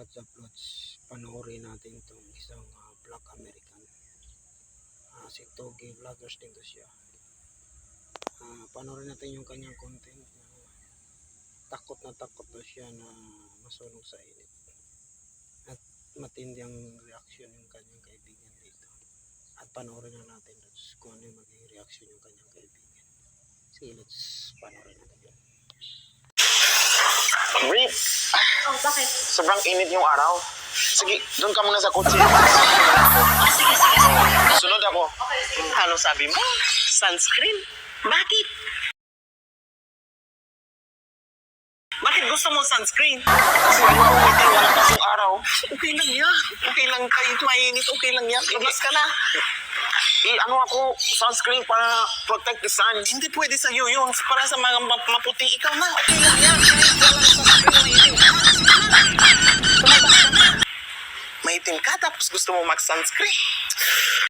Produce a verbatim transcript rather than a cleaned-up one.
Lots of Lots, panoorin natin itong isang uh, Black American. Uh, si Togi Vloggers din to siya. Uh, panoorin natin yung kanyang content. Uh, takot na takot na siya na masunog sa init. At matindi ang reaction yung kanyang kaibigan dito. At panoorin na natin kung ano yung magiging reaction yung kanyang kaibigan. Sige, let's panoorin natin yun. Brief. Oh, bakit? Sobrang init yung araw. Sige, doon ka muna sa kotse. Ah, sige, sige, sige. Sunod ako. Okay, sige. Ano sabi mo? Sunscreen? Bakit? Bakit gusto mo sunscreen? Kasi ayoko umitin, wala pasong araw. Okay lang yan. Okay lang kahit mainit. Okay lang yan. Labas ka na. I, ano ako, sunscreen para protect the sun. Hindi pwede sa'yo yun. Para sa mga map- maputi. Ikaw na. Okay lang yan. Kahit walang sunscreen, maitim ka. Lumabas ka na. Maitim ka tapos gusto mo mag-sunscreen.